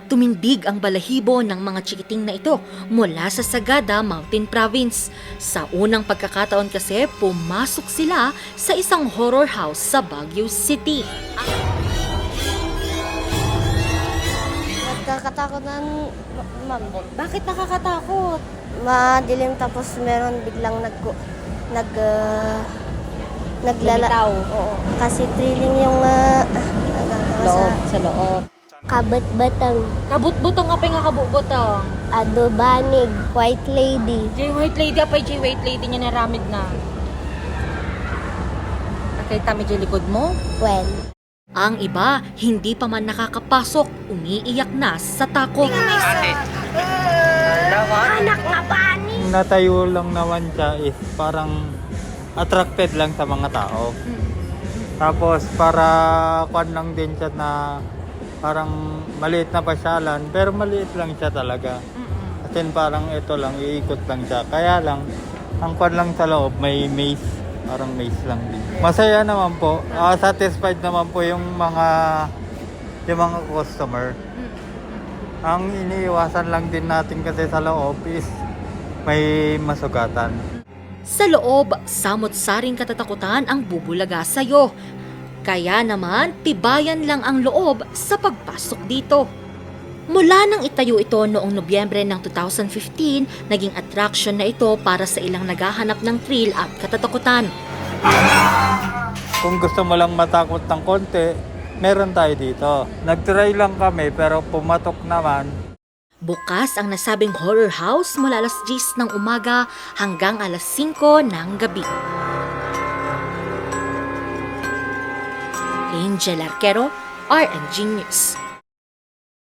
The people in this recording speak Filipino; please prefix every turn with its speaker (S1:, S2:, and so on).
S1: Tumindig ang balahibo ng mga chikiting na ito mula sa Sagada Mountain Province. Sa unang pagkakataon kasi, pumasok sila sa isang horror house sa Baguio City.
S2: Nagkakatakutan, ma'am.
S1: Bakit nakakatakot?
S2: Madilim tapos meron biglang naglala. Oo. Kasi thrilling yung
S1: Sa loob.
S2: Kabat-batang,
S1: Kabut-butong nga pa nga kabut-butong.
S2: adobanig, white lady.
S1: Jay White Lady, apay Jay White Lady niya naramid na. Nakita mi Jay likod mo?
S2: Well,
S1: Ang iba, hindi pa man nakakapasok, umiiyak na sa takot.
S2: anak nga bani!
S3: Natayo lang naman siya is parang attracted lang sa mga tao. Tapos para kwan lang din siya na parang maliit na pasyalan, pero maliit lang siya talaga. Kasi parang ito lang, iikot lang siya. Kaya lang, ang kwan lang sa loob, may maze. Parang maze lang din. Masaya naman po. Satisfied naman po yung mga customer. Ang iniiwasan lang din natin kasi sa loob is may masugatan.
S1: Sa loob, samot-saring katatakutan ang bubulaga sa'yo. Kaya naman, tibayan lang ang loob sa pagpasok dito. Mula nang itayo ito noong Nobyembre ng 2015, naging attraction na ito para sa ilang naghahanap ng thrill at katatakutan.
S3: Kung gusto mo lang matakot ng konti, meron tayo dito. Nag-try lang kami pero pumatok naman.
S1: Bukas ang nasabing horror house mula alas 10 ng umaga hanggang alas 5 ng gabi. Angel Arquero, RNG News.